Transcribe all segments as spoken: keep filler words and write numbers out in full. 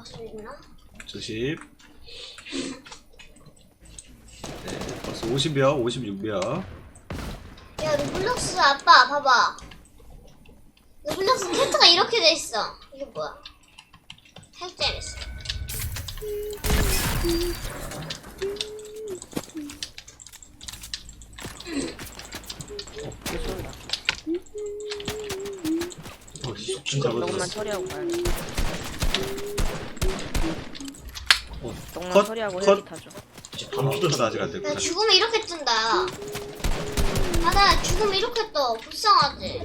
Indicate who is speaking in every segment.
Speaker 1: 들어갈 수 있나?
Speaker 2: 조심. 네, 벌써 오십 명, 오십육 명.
Speaker 1: 야, 루블록스 아빠 봐봐. 루블록스 캐릭터가 이렇게 돼 있어. 이게 뭐야? 핵재밌어.
Speaker 3: 왜 쏜다.
Speaker 4: 어, 속
Speaker 2: 잡아줬어.
Speaker 3: 조금만 처리하고 가야 돼.
Speaker 2: 어,
Speaker 3: 조금만
Speaker 2: 컷,
Speaker 3: 처리하고
Speaker 2: 컷.
Speaker 3: 헬기 타죠.
Speaker 4: 이제
Speaker 2: 어,
Speaker 4: 밤피도
Speaker 2: 컷 아직 안
Speaker 1: 야,
Speaker 2: 됐구나.
Speaker 1: 죽으면 이렇게 뜬다. 아, 나 죽으면 이렇게 떠. 불쌍하지?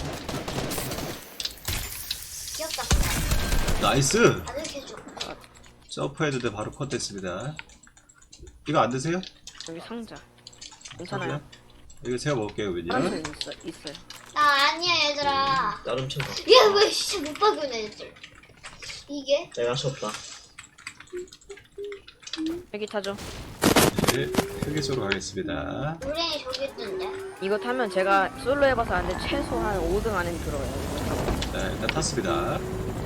Speaker 1: 귀엽다, 근데.
Speaker 2: 나이스!
Speaker 1: 안 이렇게 해줘.
Speaker 2: 점프해도 돼, 바로 컷 됐습니다. 이거 안 드세요?
Speaker 3: 여기 상자. 괜찮아요.
Speaker 2: 이거 제가 먹을게요,
Speaker 3: 파란색
Speaker 2: 그냥.
Speaker 3: 있어, 있어요.
Speaker 1: 나 아니야, 얘들아.
Speaker 4: 나름 챙겨.
Speaker 1: 얘 왜 진짜 못 박여내, 애들. 이게?
Speaker 4: 내가 하셨다.
Speaker 3: 헬기 타죠.
Speaker 2: 네, 헬기 쪽으로 가겠습니다.
Speaker 1: 노랭이 저기 있던데.
Speaker 3: 이거 타면 제가 솔로 해봐서 아는데 최소한 오 등 안에는 들어가요.
Speaker 2: 네, 일단 탔습니다.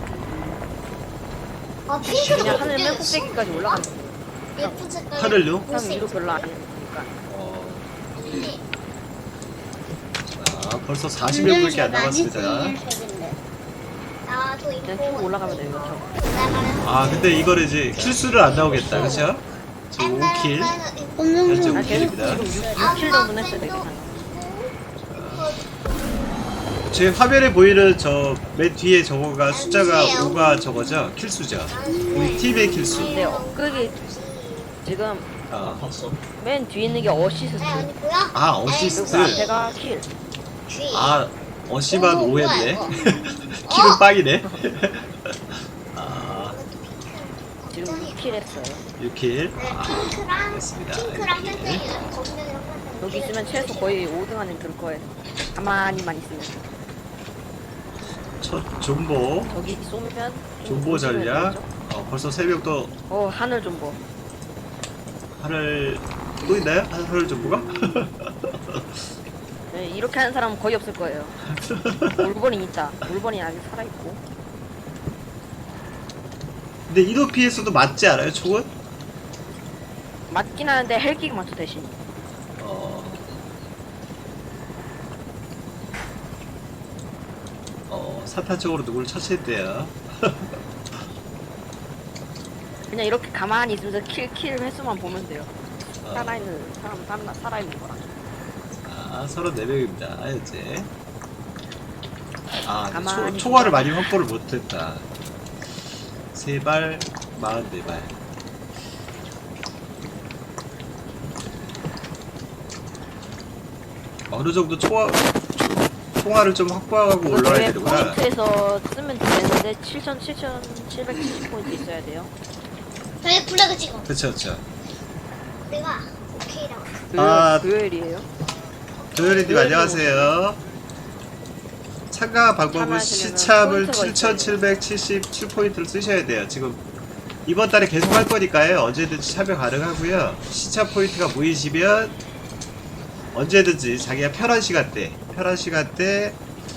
Speaker 1: 아, 핑크가
Speaker 3: 그냥 하늘
Speaker 1: 어떻게
Speaker 3: 맨
Speaker 1: 됐어?
Speaker 3: 꼭대기까지 올라가면 돼요.
Speaker 1: 예쁜 색깔.
Speaker 2: 하늘요?
Speaker 3: 그럼 위로 별로 안 되니까.
Speaker 2: 어, 자, 벌써 사십 명밖에 안 남았습니다.
Speaker 1: 나도
Speaker 3: 그냥
Speaker 1: 이거.
Speaker 3: 쭉 올라가면 돼요. 이렇게.
Speaker 2: 아, 근데 이거를 이제 킬수를 안 나오겠다, 그쵸? 지금 오 킬. 현재
Speaker 3: 아,
Speaker 2: 오
Speaker 3: 계속
Speaker 2: 킬입니다.
Speaker 3: 지금 육 킬 정도는 했어요. 되게 한.
Speaker 2: 제 화면에 보이는 저 맨 뒤에 저거가 숫자가 오가 저거죠? 킬수죠? 우리 팀의 킬수.
Speaker 3: 근데 엊그게 지금
Speaker 2: 아,
Speaker 4: 봤어?
Speaker 3: 맨 뒤에 있는 게 어시스트.
Speaker 1: 아, 언니 보여?
Speaker 2: 아, 어시스트.
Speaker 3: 그리고 앞에가 킬.
Speaker 1: 귀.
Speaker 2: 아, 어시만
Speaker 1: 오,
Speaker 2: 오 했네.
Speaker 1: 뭐야,
Speaker 2: 킬은 빵이네. 아,
Speaker 3: 지금 육 킬 했어요.
Speaker 2: 육 킬.
Speaker 1: 네,
Speaker 2: 아,
Speaker 1: 핑크랑
Speaker 2: 됐습니다.
Speaker 1: 핑크랑
Speaker 2: 육 킬.
Speaker 1: 땡땡이랑 검정이랑 땡땡이.
Speaker 3: 여기 있으면 최소 거의 오 등 안에 들 거예요. 가만히만 있으면.
Speaker 2: 첫 존보.
Speaker 3: 저기 쏘면
Speaker 2: 존보 전략. 어, 벌써 세 명 또
Speaker 3: 어 하늘 존보.
Speaker 2: 하늘 또 있나요? 하- 하늘 존보가?
Speaker 3: 네, 이렇게 하는 사람은 거의 없을 거예요. 올버린 있다. 올버린 아직 살아 있고.
Speaker 2: 근데 이도 피에서도 맞지 않아요, 총은?
Speaker 3: 맞긴 하는데 헬기가 맞죠 대신.
Speaker 2: 어. 어, 사탄 쪽으로 누구를 처치했대요.
Speaker 3: 그냥 이렇게 가만히 있으면서 킬 킬 횟수만 보면 돼요.
Speaker 2: 어.
Speaker 3: 살아있는 사람 살아 살아있는 거랑.
Speaker 2: 자, 서른네 명입니다, 현재. 아, 근데
Speaker 3: 가만히
Speaker 2: 초, 총알을 많이 확보를 못했다. 세 발, 마흔네 발. 어느 정도 총알, 총알을 좀 확보하고 올라가야
Speaker 3: 대회
Speaker 2: 되는구나.
Speaker 3: 포인트에서 쓰면 되는데 칠천 칠천칠백칠십 포인트 있어야 돼요.
Speaker 1: 저희 블랙을 찍어.
Speaker 2: 그쵸, 그쵸.
Speaker 1: 내가 오케이라고.
Speaker 3: 그
Speaker 2: 아.
Speaker 3: 교열이에요.
Speaker 2: 도현이님 안녕하세요. 참가 방법은
Speaker 3: 참여하시려면
Speaker 2: 시참을
Speaker 3: 포인트가 있어야
Speaker 2: 칠천칠백칠십칠 포인트를 쓰셔야 돼요. 지금 이번 달에 계속 할 거니까요. 언제든지 참여 가능하고요. 시참 포인트가 모이시면 언제든지 자기가 편한 시간대, 편한 시간대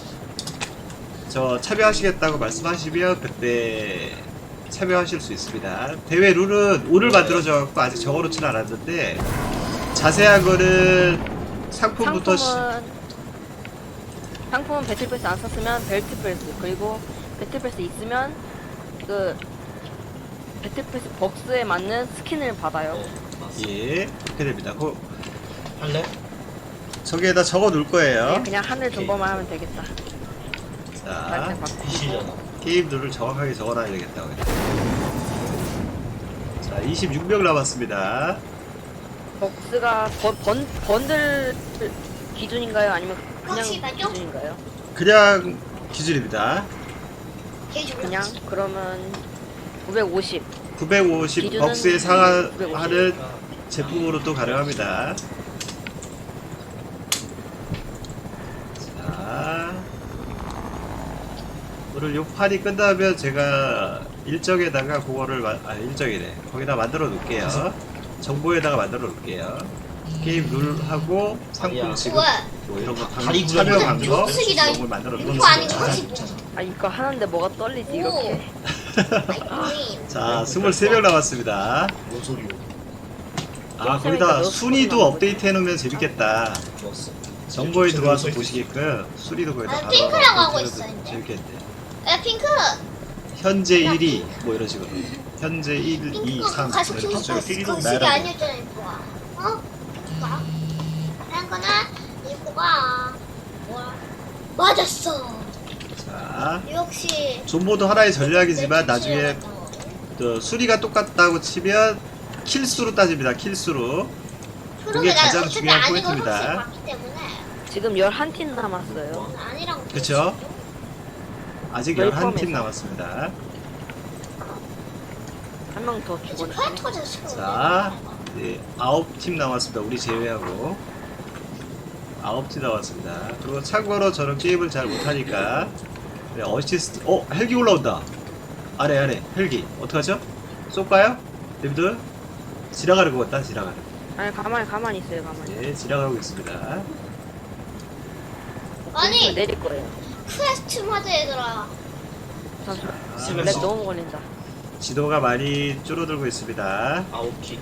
Speaker 2: 저 참여하시겠다고 말씀하시면 그때 참여하실 수 있습니다. 대회 룰은 오늘 만들어져갖고 아직 적어놓지는 않았는데 자세한 거는 상품부터 시,
Speaker 3: 상품은 상품은 배틀패스 안 썼으면 벨트패스 그리고 배틀패스 있으면 그 배틀패스 벅스에 맞는 스킨을 받아요.
Speaker 2: 예, 그렇게 됩니다. 그,
Speaker 4: 할래?
Speaker 2: 저기에다 적어 놓을 거예요.
Speaker 3: 네, 그냥 하늘 존버만 하면 되겠다.
Speaker 2: 자,
Speaker 3: 날짜 바꾸고.
Speaker 4: 이시잖아.
Speaker 2: 게임 룰을 정확하게 적어 놔야 되겠다고. 자, 이십육 명 남았습니다.
Speaker 3: 벅스가 번, 번, 번들 기준인가요? 아니면 그냥
Speaker 1: 혹시만요?
Speaker 3: 기준인가요?
Speaker 2: 그냥 기준입니다.
Speaker 1: 개줄.
Speaker 3: 그냥 그러면 구백오십.
Speaker 2: 구백오십
Speaker 3: 기준은
Speaker 2: 벅스에 상하는
Speaker 3: 구백오십.
Speaker 2: 제품으로 또 가능합니다. 자, 오늘 요 판이 끝나면 제가 일정에다가 그거를 마, 아 일정이네. 거기다 만들어 놓을게요. 정보에다가 만들어 놓을게요. 게임 룰하고 상품
Speaker 4: 아니야.
Speaker 2: 지급
Speaker 1: 왜?
Speaker 2: 뭐 이런 거 방,
Speaker 4: 다리
Speaker 2: 참여
Speaker 4: 구멍이
Speaker 2: 방법
Speaker 1: 무슨
Speaker 2: 이런 걸 만들어
Speaker 1: 이거 아니고
Speaker 2: 놓습니다.
Speaker 1: 혹시 뭐?
Speaker 3: 아 이거 하는데 뭐가 떨리지
Speaker 1: 오.
Speaker 3: 이렇게.
Speaker 1: 아이님.
Speaker 2: 자, 스물세 명 남았습니다.
Speaker 4: 뭔 소리요?
Speaker 2: 아, 거기다 순위도 업데이트 해놓으면 재밌겠다.
Speaker 4: 좋았어.
Speaker 2: 정보에
Speaker 4: 제대로
Speaker 2: 들어와서
Speaker 4: 서 있지.
Speaker 2: 보시게끔 순위도 거기다
Speaker 1: 아,
Speaker 2: 바로
Speaker 1: 핑크라고 하고
Speaker 2: 업데이트
Speaker 1: 있어,
Speaker 2: 해놓으면
Speaker 1: 이제.
Speaker 2: 재밌겠네.
Speaker 1: 야 핑크.
Speaker 2: 현재 일 위 뭐 이런 식으로. 현재 일, 이,
Speaker 1: 핑크
Speaker 2: 삼
Speaker 1: 가서
Speaker 2: 이렇게
Speaker 1: 핑크
Speaker 2: 쭉
Speaker 1: 거시기
Speaker 2: 나열하고.
Speaker 1: 아니었잖아 이거가. 어? 이거가. 한 거는 이거가. 뭐야? 맞았어.
Speaker 2: 자,
Speaker 1: 역시.
Speaker 2: 존보도 하나의 전략이지만
Speaker 1: 내
Speaker 2: 나중에
Speaker 1: 주제였던 거.
Speaker 2: 또 수리가 똑같다고 치면 킬수로 따집니다. 킬수로. 그게
Speaker 1: 나
Speaker 2: 가장
Speaker 1: 어차피
Speaker 2: 중요한
Speaker 1: 아닌 걸
Speaker 2: 포인트입니다.
Speaker 1: 확실히 봤기 때문에.
Speaker 3: 지금 열한 팀 남았어요.
Speaker 1: 난 아니라고.
Speaker 2: 그쵸? 아직
Speaker 3: 저희
Speaker 2: 열한 팀
Speaker 3: 포함해서.
Speaker 2: 남았습니다.
Speaker 3: 한 명 더 죽었네.
Speaker 1: 파이터즈 시켜.
Speaker 2: 자, 네, 아홉 팀 남았습니다. 우리 제외하고 아홉 팀 남았습니다. 그리고 참고로 저는 게임을 잘 못하니까 네, 어시스트. 어, 헬기 올라온다. 아래 아래 헬기 어떡하죠? 쏠까요? 데비드 지나가는 것 같다. 지나가는.
Speaker 3: 아니 가만히 가만히 있어요. 가만히.
Speaker 2: 네, 지나가고 있습니다.
Speaker 1: 아니
Speaker 3: 내릴 거예요.
Speaker 1: 퀘스트 모드 얘들아.
Speaker 3: 잠시만.
Speaker 2: 자,
Speaker 3: 렉 너무 걸린다.
Speaker 2: 지도가 많이 줄어들고 있습니다.
Speaker 4: 아홉 키.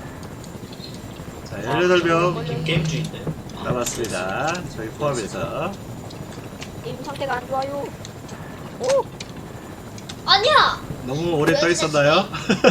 Speaker 2: 자, 열여덟 명
Speaker 4: 게임 게임주의인데.
Speaker 2: 남았습니다. 저희 포함해서.
Speaker 3: 게임 상태가 안 좋아요. 오!
Speaker 1: 아니야.
Speaker 2: 너무 오래 떠 있었나요?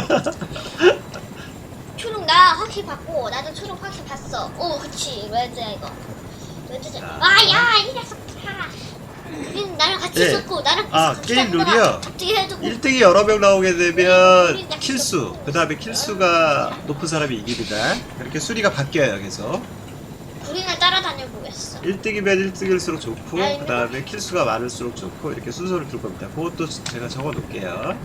Speaker 1: 초록 나 확실히 봤고 나도 초록 확실히 봤어. 오 그치 레드야 이거. 레드지.
Speaker 2: 자.
Speaker 1: 아야 이 녀석들아. 우린 나랑 같이
Speaker 2: 네.
Speaker 1: 있었고 나랑
Speaker 2: 아,
Speaker 1: 같이
Speaker 2: 게임
Speaker 1: 있었다가
Speaker 2: 룰이요?
Speaker 1: 갑자기 해주고.
Speaker 2: 일 등이 여러 명 나오게 되면 킬수, 그 다음에 킬수가 높은 사람이 이깁니다. 이렇게 수리가 바뀌어요, 계속.
Speaker 1: 우리는 따라다녀 보겠어.
Speaker 2: 일 등이면 일 등일수록 좋고, 그 다음에 킬수가 많을수록 좋고, 이렇게 순서를 둘 겁니다. 그것도 제가 적어 놓을게요.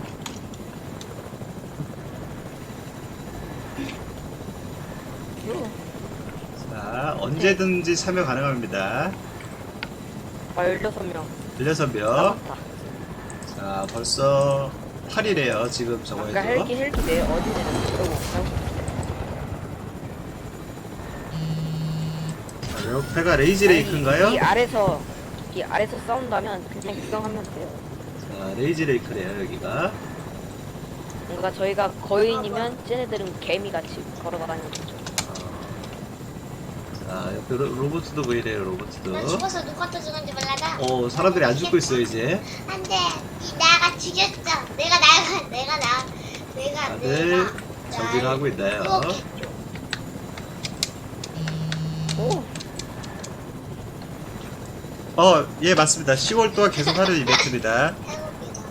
Speaker 2: 자, 언제든지 참여 가능합니다.
Speaker 3: 아, 열여섯 명.
Speaker 2: 열여섯 명.
Speaker 3: 남았다.
Speaker 2: 자, 벌써 팔 일이에요, 지금
Speaker 3: 아까
Speaker 2: 저거에서.
Speaker 3: 헬기 헬기 내 어디 내렸어?
Speaker 2: 자, 옆에가 레이지 레이크인가요?
Speaker 3: 이 아래서 이 아래서 싸운다면 그냥 구경하면 돼요.
Speaker 2: 자, 레이지 레이크래요, 여기가.
Speaker 3: 뭔가 저희가 거인이면 쟤네들은 개미같이 걸어다니는 거죠.
Speaker 2: 자, 옆에 로, 로봇도 보이네요,
Speaker 1: 난
Speaker 2: 로봇도.
Speaker 1: 죽어서 누가 또 죽은지 몰라다.
Speaker 2: 어, 사람들이 안 죽고 있어요, 이제.
Speaker 1: 안돼. 이 나가 죽였어. 내가 나가 내가 나 내가
Speaker 2: 다들
Speaker 1: 내가
Speaker 2: 정비를 하고 있나요?
Speaker 1: 유혹했죠.
Speaker 3: 오!
Speaker 2: 어, 예, 맞습니다. 시월 동안 계속하는 이벤트입니다.
Speaker 1: 해봅니다.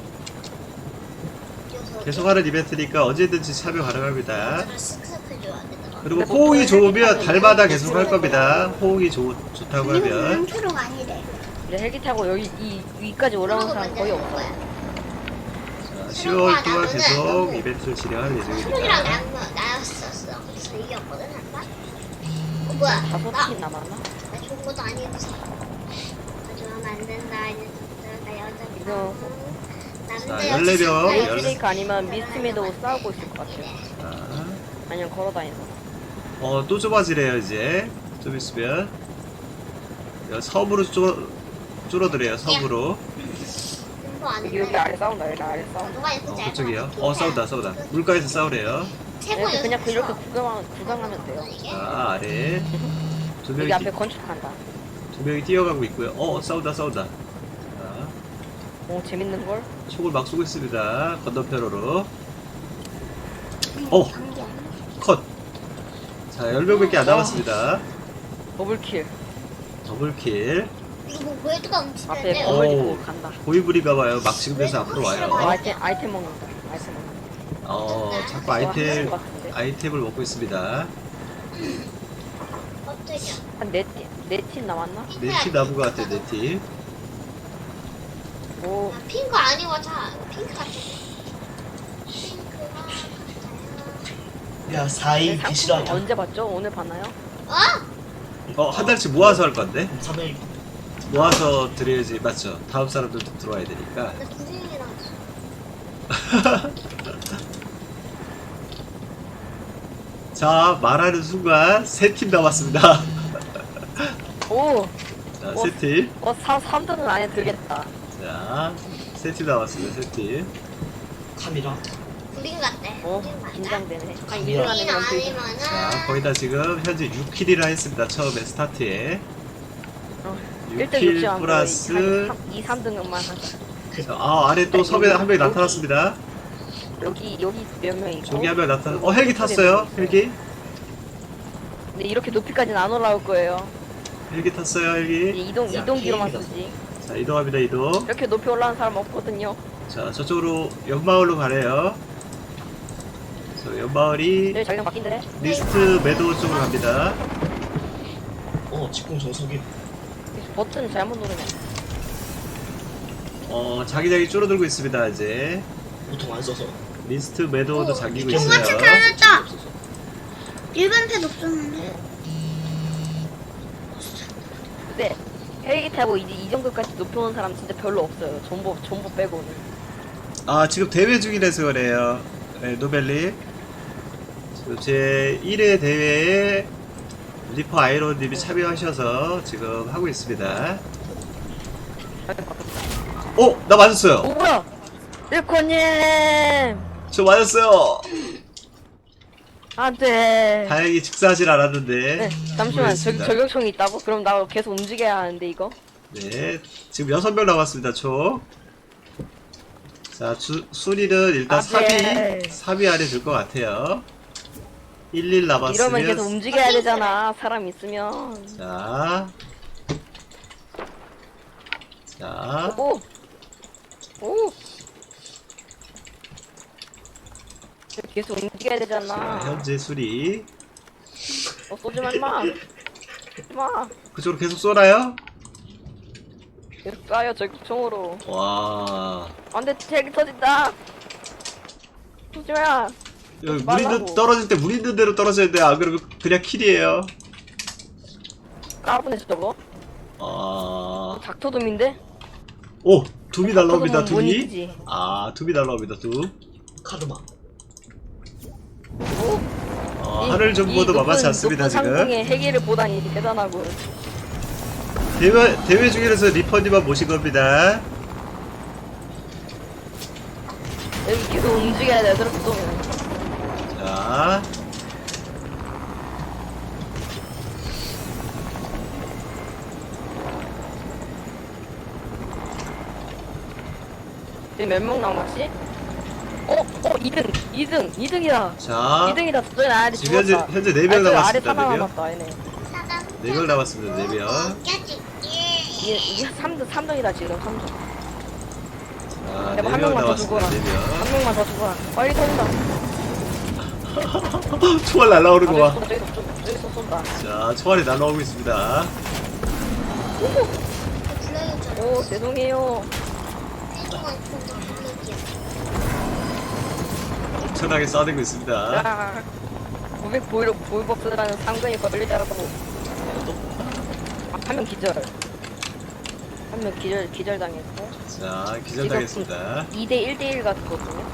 Speaker 2: 계속하는 이벤트니까 언제든지 참여 가능합니다.
Speaker 1: 저를 쓱쓱 해줘야 되더라.
Speaker 2: 그리고 호응이 좋으면 달마다 계속 할 겁니다. 호응이 좋, 좋다고 하면.
Speaker 1: 초록 아니래.
Speaker 3: 이제 헬기 타고 여기 이 위까지 올라오는 사람 거의 없어.
Speaker 2: 자, 시월 동안 계속 이벤트를 진행할
Speaker 1: 초록이랑
Speaker 2: 예정입니다.
Speaker 1: 나랑 나였었어. 그래서 이겼거든 한 번. 어 뭐야?
Speaker 3: 다섯
Speaker 1: 나,
Speaker 3: 팀 남았나?
Speaker 1: 나 좋은 것도 아니었어. 가져가면 안 된다. 이 녀석들. 나 여자다.
Speaker 3: 이거.
Speaker 1: 남자
Speaker 2: 자, 열네 명.
Speaker 1: 여자
Speaker 2: 열-
Speaker 3: 레이크 아니면 미스트메도 싸우고 있을 것 같아요.
Speaker 2: 자,
Speaker 3: 아니면 걸어다니서.
Speaker 2: 어, 또 좁아지래요, 이제. 좀 있으면. 야, 섬으로 줄, 줄어드래요, 섬으로.
Speaker 1: 공부 안
Speaker 3: 여기, 여기
Speaker 1: 해.
Speaker 3: 아래 싸운다. 여기 아래 싸운다.
Speaker 1: 누가 이렇게
Speaker 2: 어,
Speaker 1: 짧아?
Speaker 2: 그쪽이요. 어, 싸운다, 싸운다. 물가에서 싸우래요.
Speaker 1: 최고
Speaker 3: 이렇게 그냥
Speaker 1: 연습
Speaker 3: 이렇게
Speaker 1: 쳐.
Speaker 3: 구경하면, 구경하면 돼요.
Speaker 1: 이게
Speaker 2: 자, 아래. 두 명이,
Speaker 3: 여기 앞에
Speaker 2: 뛰-
Speaker 3: 건축한다.
Speaker 2: 두 명이 뛰어가고 있고요. 어, 싸운다, 싸운다. 자,
Speaker 3: 오, 재밌는 걸?
Speaker 2: 총을 막 쏘고 있습니다. 건너편으로. 어, 컷. 자, 열 명밖에 안 남았습니다.
Speaker 3: 더블킬.
Speaker 2: 더블킬.
Speaker 1: 이거 뭐 웨드가
Speaker 3: 앞에
Speaker 1: 움직이는데
Speaker 2: 어.
Speaker 3: 건물
Speaker 2: 오.
Speaker 3: 짓고 간다.
Speaker 2: 고위부리가봐요. 막 지금 돼서 앞으로 와요.
Speaker 3: 아이템, 아이템 먹는다. 아이템 먹는다.
Speaker 2: 어, 자꾸
Speaker 3: 뭐
Speaker 2: 아이템,
Speaker 3: 하는 것 같은데?
Speaker 2: 아이템을 먹고 있습니다.
Speaker 1: 깜짝이야.
Speaker 3: 한 네 팀, 네 팀 남았나?
Speaker 2: 네티 나무 것 같아, 네티.
Speaker 3: 오,
Speaker 1: 아, 핑크 아니고 다 핑크 같아. 핑크가
Speaker 4: 야 사 인
Speaker 3: 상품
Speaker 4: 비실하냐?
Speaker 3: 언제 봤죠? 오늘 봤나요?
Speaker 1: 어?
Speaker 2: 어, 한 달치 모아서 할 건데?
Speaker 4: 삼 일
Speaker 2: 모아서 드려야지, 맞죠? 다음 사람들도 들어와야 되니까.
Speaker 1: 나 구생이랑
Speaker 2: 자, 말하는 순간 세 팀 남았습니다.
Speaker 3: 오!
Speaker 2: 자, 세 팀.
Speaker 3: 어, 삼, 삼 등은 안에 들겠다.
Speaker 2: 자, 세 팀 남았습니다, 세 팀.
Speaker 4: 탑이라.
Speaker 1: 우린 같대.
Speaker 3: 어
Speaker 1: 우린 맞아.
Speaker 3: 긴장되네. 아
Speaker 4: 우린
Speaker 3: 이등
Speaker 1: 우린
Speaker 3: 안에는 되게
Speaker 1: 아니면은
Speaker 2: 자 거의 다 지금 현재 육 킬이라 했습니다. 처음에 스타트에
Speaker 3: 일 등
Speaker 2: 육 킬
Speaker 3: 육지 안
Speaker 2: 플러스
Speaker 3: 이, 삼 등급만 하자.
Speaker 2: 자, 아 아래 또 섬에 한 명이 나타났습니다.
Speaker 3: 여기 여기 몇 명이고.
Speaker 2: 저기 한 명 나타났 어 헬기 탔어요 헬기
Speaker 3: 근데 이렇게 높이까지는 안 올라올 거예요.
Speaker 2: 헬기 탔어요
Speaker 3: 이제
Speaker 2: 헬기
Speaker 3: 이동
Speaker 4: 야,
Speaker 3: 이동기로만
Speaker 4: 게임이다.
Speaker 3: 쓰지.
Speaker 2: 자 이동합니다 이동
Speaker 3: 이렇게 높이 올라온 사람 없거든요.
Speaker 2: 자 저쪽으로 연마을로 가래요. 저 연마을이
Speaker 3: 네 자기장 바뀐대.
Speaker 2: 리스트 매도 쪽으로 갑니다.
Speaker 4: 어 직공 정석이.
Speaker 3: 버튼 잘못 누르네.
Speaker 2: 어 자기장이 줄어들고 있습니다 이제.
Speaker 4: 보통 안 써서.
Speaker 2: 리스트 매도도
Speaker 1: 오,
Speaker 2: 잠기고
Speaker 4: 이게
Speaker 2: 있어요.
Speaker 1: 똑같이 잘했다. 일반 패드 없었는데.
Speaker 3: 근데 헬기 타고 이제 이 정도까지 높이 오는 사람 진짜 별로 없어요. 전부 전부 빼고는.
Speaker 2: 아 지금 대회 중이라서 그래요. 네, 노벨님. 지금 제 일 회 대회에 리퍼 아이론님이 참여하셔서 지금 하고 있습니다. 어? 나 맞았어요.
Speaker 3: 오 뭐야? 일코님
Speaker 2: 저 맞았어요.
Speaker 3: 안돼.
Speaker 2: 다행히 직사하진 않았는데.
Speaker 3: 네 잠시만 저,
Speaker 2: 모르겠습니다.
Speaker 3: 저격총이 있다고? 그럼 나 계속 움직여야 하는데 이거?
Speaker 2: 네, 지금 여섯 명 남았습니다, 총. 자, 주, 순위는 일단
Speaker 3: 아,
Speaker 2: 삼 위,
Speaker 3: 네.
Speaker 2: 삼 위 안에 들 것 같아요. 일, 일
Speaker 3: 이러면 계속
Speaker 2: 남았으면.
Speaker 3: 움직여야 되잖아. 사람 있으면.
Speaker 2: 자. 자.
Speaker 3: 오. 오. 계속 움직여야
Speaker 2: 자,
Speaker 3: 되잖아.
Speaker 2: 현재 순위.
Speaker 3: 어, 쏘지 마, 임마. 임마.
Speaker 2: 그쪽으로 계속 쏘나요?
Speaker 3: 계속 쏴요, 저격총으로.
Speaker 2: 와.
Speaker 3: 안 돼, 헬기 터진다. 쏘지 마.
Speaker 2: 여기 물
Speaker 3: 말라고.
Speaker 2: 있는, 떨어질 때 물 있는 대로 떨어져야 돼. 안 그러면 그냥 킬이에요.
Speaker 3: 까부네, 저거.
Speaker 2: 아.
Speaker 3: 닥터돔인데?
Speaker 2: 오! 둠이 날라옵니다,
Speaker 3: 닥터돔은 못
Speaker 2: 둠이.
Speaker 3: 이기지.
Speaker 2: 아, 둠이 날라옵니다, 둠.
Speaker 4: 카르마.
Speaker 3: 오.
Speaker 2: 어,
Speaker 3: 이-
Speaker 2: 하늘
Speaker 3: 이
Speaker 2: 정보도
Speaker 3: 높은-
Speaker 2: 만만치 않습니다,
Speaker 3: 높은
Speaker 2: 지금.
Speaker 3: 상공에 헬기를 보다니 대단하고.
Speaker 2: 대회, 대회 중이라서 리퍼님만 모신 겁니다.
Speaker 3: 여기 계속 움직여야 돼, 저렇게 쏘면.
Speaker 2: 자.
Speaker 3: 지금 몇 명 남았지? 어? 어? 이 등! 이 등! 이 등이다!
Speaker 2: 자.
Speaker 3: 이 등이다! 저기 아래
Speaker 2: 지금 현재,
Speaker 3: 죽었다.
Speaker 2: 현재 네 명
Speaker 3: 아니, 저기 아래
Speaker 2: 남았습니다,
Speaker 3: 사람
Speaker 2: 네 명.
Speaker 3: 남았다, 얘네.
Speaker 1: 사람.
Speaker 2: 네 명 남았습니다, 네 명.
Speaker 1: 껴줄게.
Speaker 3: 이게, 이게 삼 등, 삼 등이다, 지금 삼 등.
Speaker 2: 자,
Speaker 3: 제발
Speaker 2: 네
Speaker 3: 한
Speaker 2: 명
Speaker 3: 명만 더
Speaker 2: 남았습니다,
Speaker 3: 죽어라.
Speaker 2: 네
Speaker 3: 한 명만 더 죽어라. 빨리 터진다.
Speaker 2: 명. 총알 날라오는
Speaker 3: 아,
Speaker 2: 거 봐.
Speaker 3: 저기 쏜다, 저기 쏜다, 저기 쏜다.
Speaker 2: 자, 총알이 날라오고 있습니다.
Speaker 1: 불러야죠.
Speaker 3: 오, 죄송해요.
Speaker 1: 해동한 폰도 불러야지.
Speaker 2: 엄청나게 쏴대고 있습니다.
Speaker 3: 야, 구백 보이로 보이버스라는 상근이 걸리더라고. 아, 한 명 기절. 한 명 기절, 기절당했고.
Speaker 2: 자, 기절당했습니다.
Speaker 3: 이 대 일 대 일 같거든요.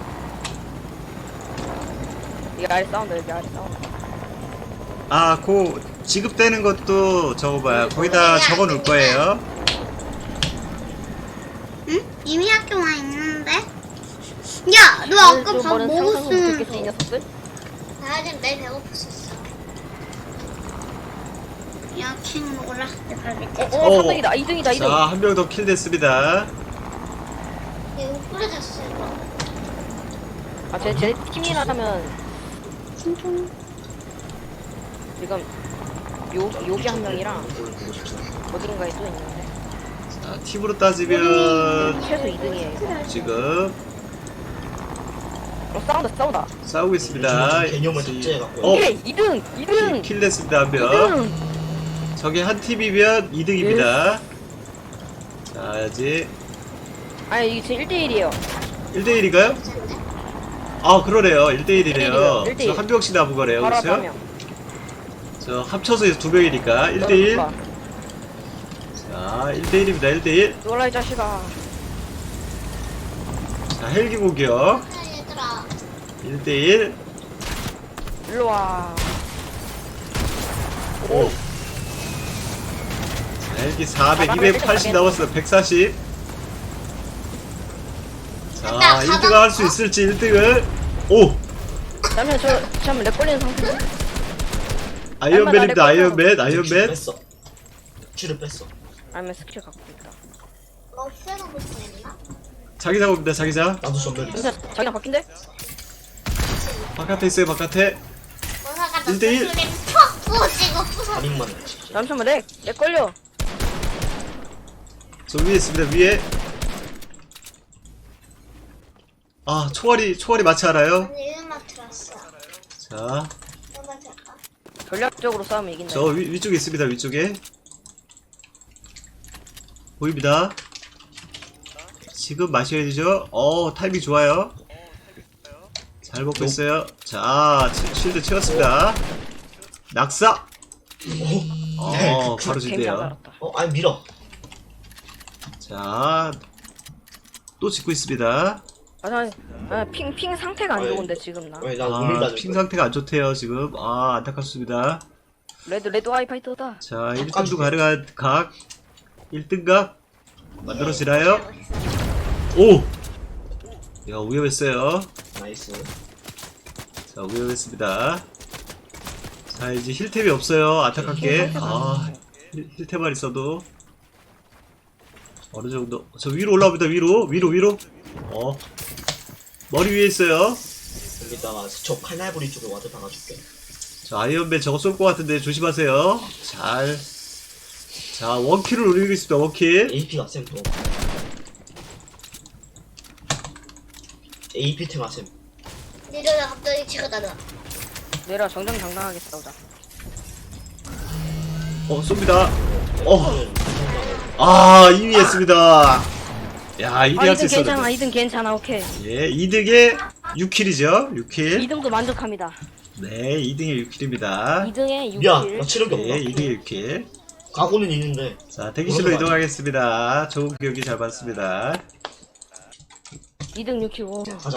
Speaker 3: 여기 아래 싸운다, 여기 아래 싸운다.
Speaker 2: 아, 그 지급되는 것도 저거 봐요. 거기다 적어 놓을 거예요.
Speaker 1: 응? 이미 학교 와 있는데? 야, 너 아까 밥
Speaker 3: 상상도 못했겠지, 이
Speaker 1: 먹었으면서.
Speaker 3: 녀석들?
Speaker 1: 나 지금 내 배고팠었어. 야, 킹 먹을라. 내 갈비뼈.
Speaker 3: 어, 어,
Speaker 2: 어.
Speaker 3: 삼 등이다, 이 등이다, 이 등.
Speaker 2: 자, 한 명 더 킬 됐습니다.
Speaker 1: 이거 뿌려졌어, 이거.
Speaker 3: 아, 제, 제 팀이라면
Speaker 1: 진통.
Speaker 3: 지금 요, 여기 한 명이랑 어딘가에 또 있는데.
Speaker 2: 자, 팀으로 따지면
Speaker 3: 최소 이 등이에요.
Speaker 2: 지금
Speaker 3: 어, 싸운다, 싸운다.
Speaker 2: 싸우고 있습니다.
Speaker 4: 요즘 개념을 삭제해갖고.
Speaker 2: 어,
Speaker 3: 오케이, 이 등, 이 등.
Speaker 2: 킬 됐습니다, 한
Speaker 3: 이
Speaker 2: 명.
Speaker 3: 등.
Speaker 2: 저게 한 팀이면 이 등입니다. 자, 이제
Speaker 3: 아니, 이게 지금 일 대 일이에요.
Speaker 2: 일 대 일인가요? 아, 그러네요. 일 대 일이네요.
Speaker 3: 일 대 일.
Speaker 2: 저 한 명씩 남은 거네요.
Speaker 3: 바로 앞에
Speaker 2: 그렇죠?
Speaker 3: 한 명.
Speaker 2: 저 합쳐서 두 명이니까 일 대 일. 자, 일 대 일입니다. 일 대 일.
Speaker 3: 놀라, 이 자식아.
Speaker 2: 자, 헬기 공격.
Speaker 1: 얘들아.
Speaker 2: 일 대 일.
Speaker 3: 일로 와.
Speaker 2: 오. 자, 헬기 사백, 이백팔십 남았어요. 백사십. 자, 일 등을 할 수 있을지 일 등을. 오!
Speaker 3: 잠시만 저 잠시만 렉 걸리는 상태.
Speaker 2: 아이언맨입니다. 아이언맨,
Speaker 4: 큐를
Speaker 2: 아이언맨.
Speaker 4: 뺐어. 큐를 뺐어.
Speaker 3: 아니면 스킬 갖고 있다.
Speaker 1: 뭐 쓰는 거 있나?
Speaker 2: 자기장 옵니다. 자기장.
Speaker 4: 나도 전멸 있어.
Speaker 3: 잠시만 자기랑 바뀐데?
Speaker 2: 바깥에 있어요. 바깥에.
Speaker 1: 뭐사가
Speaker 2: 일 대 일.
Speaker 1: 퍽 부어지고 부서.
Speaker 4: 반응만 했지.
Speaker 3: 잠시만 렉! 렉 걸려!
Speaker 2: 저 위에 있습니다. 위에. 아, 총알이 총알이 많지 않아요?
Speaker 1: 아니 음악 들었어.
Speaker 2: 자,
Speaker 1: 음악 들을까?
Speaker 3: 전략적으로 싸우면 이긴다.
Speaker 2: 저 위, 위쪽에 있습니다. 위쪽에. 보입니다. 지금 마셔야 되죠? 어, 타이밍 좋아요. 잘 먹고 있어요. 자, 치- 쉴드 채웠습니다. 낙사!
Speaker 4: 오.
Speaker 2: 어, 바로
Speaker 3: 괜찮아
Speaker 2: 진대요.
Speaker 3: 알았다.
Speaker 4: 어, 아니 밀어.
Speaker 2: 자, 또 짓고 있습니다.
Speaker 3: 아, 나, 아, 핑, 핑 상태가 안
Speaker 4: 어이.
Speaker 3: 좋은데, 지금 나.
Speaker 4: 왜 나
Speaker 2: 아,
Speaker 4: 우밀
Speaker 2: 핑 상태가 안 좋대요, 지금. 아, 안타깝습니다.
Speaker 3: 레드, 레드 와이파이터다.
Speaker 2: 자, 일 등도 가능한 각. 일 등 각. 만들어지나요? 오! 야, 위험했어요.
Speaker 4: 나이스.
Speaker 2: 자, 위험했습니다. 자, 이제 힐템이 없어요. 안타깝게. 아, 힐- 힐템만 있어도. 어느 정도. 저 위로 올라옵니다. 위로. 위로, 위로. 어. 머리 위에 있어요.
Speaker 4: 여기다가 저 칼날부리 쪽에 와드 박아줄게.
Speaker 2: 자, 아이언맨 저거 쏠 것 같은데 조심하세요. 잘. 자, 원킬을 노리고 있습니다. 원킬.
Speaker 4: 에이피가 쌤 또. 에이피 템 아셈.
Speaker 1: 이러다 갑자기 치고 나가.
Speaker 3: 내려 정정당당하게 싸우자.
Speaker 2: 어, 쏩니다. 어. 아, 이 위 했습니다. 야, 이 위
Speaker 3: 아,
Speaker 2: 할 수
Speaker 3: 이 등 괜찮아,
Speaker 2: 있었는데.
Speaker 3: 이 등 괜찮아, 오케이.
Speaker 2: 예, 이 등에 육 킬이죠. 육
Speaker 3: 이
Speaker 2: 킬.
Speaker 3: 등도 만족합니다.
Speaker 2: 네, 이 등에 육 킬입니다.
Speaker 3: 이 등에 육
Speaker 4: 미안,
Speaker 3: 킬.
Speaker 4: 나 체력이 없나?
Speaker 2: 네, 이 등에 육 킬.
Speaker 4: 각오는 있는데.
Speaker 2: 자, 대기실로 이동하겠습니다. 좋은 기억이 잘 봤습니다.
Speaker 3: 이 등 육 킬. 오.
Speaker 4: 가자.